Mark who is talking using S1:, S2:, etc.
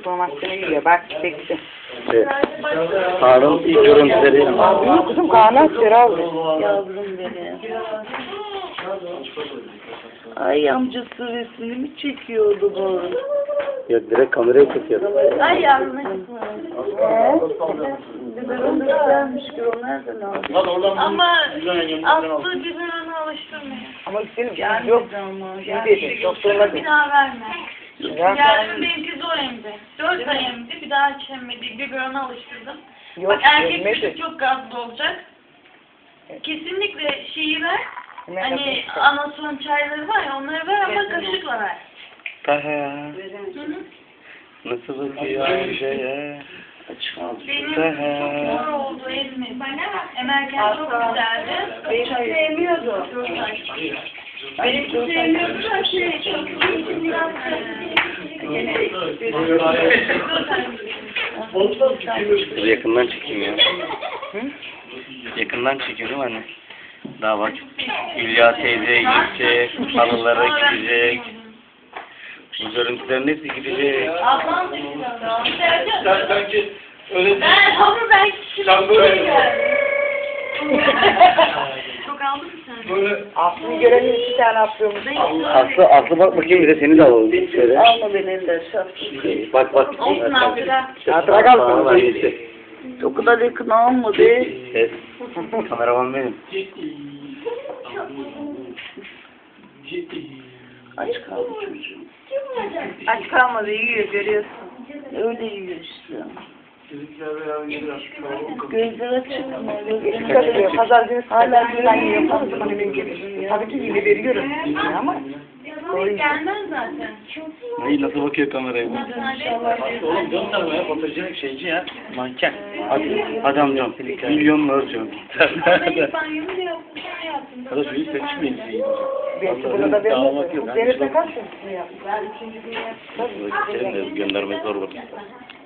S1: telefon hakkını yiyor. Bak çekti.
S2: Evet. Harun ilk görüntüleri.
S1: Abi yok kızım Kaan'a aldı.
S3: Yavrum benim. Ay amcası resmini mi çekiyordu bu?
S2: Ya direkt kameraya çekiyor.
S3: Ay yavrum biberon da güzelmiş ki o nereden aldın?
S4: Ama Aslı biberonu alıştırmıyor.
S1: Ama senin
S3: Gelmedi
S1: yok.
S3: ama.
S1: İyi dedi. Doktoruna
S4: Bir
S1: dedi.
S4: daha verme.
S1: Ya.
S4: Yarın benimki zor emdi. 4 ay emdi. Bir daha hiç emmedi. Biberona alıştırdım.
S1: Yok,
S4: Bak erkek
S1: yemedi.
S4: çocuk çok gazlı olacak. Kesinlikle şeyi ver.
S1: Ne
S4: Hani
S1: yapıyorsun?
S4: anason çayları var ya onları ver ama kaşıkla ver.
S2: Taha.
S4: Hı hı.
S2: Nasıl bakıyor Ayşe'ye?
S4: Benim çok zor oldu ezmi. Emerken çok güzeldi.
S3: Benim sevmiyordu. Benimki sevmiyordu da çok
S2: Dur yakından çekeyim ya. Yakından çekiyorum anne. Daha bak. Hülya teyze gidecek. Halılara gidecek. Bu görüntülerin hepsi gidecek.
S4: Ablam da güzel.
S5: Sanki öyle
S4: Ben
S5: sen böyle
S4: çok aldın mı sen?
S5: böyle
S1: Aslı'yı görelim 2 tane atlıyormuş.
S2: Aslı bak bakayım bir de seni de alalım. Şöyle.
S3: Alma beni elinden
S2: Bak bak.
S4: Olsun hatıra.
S1: Hatıra kalsın.
S2: Tamam, hangisi?
S3: O kadar yakın alma be.
S2: Evet. Kameraman benim.
S3: Aç kaldı çocuğum.
S1: Aç kalmadı yiyor görüyorsun.
S3: Öyle yiyor işte.
S5: bizimkiler beraber gidiyor.
S3: Gözleri çıkma.
S1: Küçük açıyor. Pazar günü hala güven yiyor. O zaman emin gelir. Tabii ki yine veriyorum. Ama
S4: Gelmez zaten.
S2: Neyi nasıl bakıyor kameraya?
S5: Oğlum gönderme ya fotojenik şeyci ya.
S2: Manken. Hadi amcam. Milyonla ölçüyorum.
S4: Ben banyomu da yaptım. Sen yaptın.
S5: Arkadaş büyük seçmeyin şeyi.
S1: belki bunu da
S5: Dağılmak yok.
S1: vermez. Denizde kaç yaşında ya? Ben 3. gün
S2: Göndermek zor olur.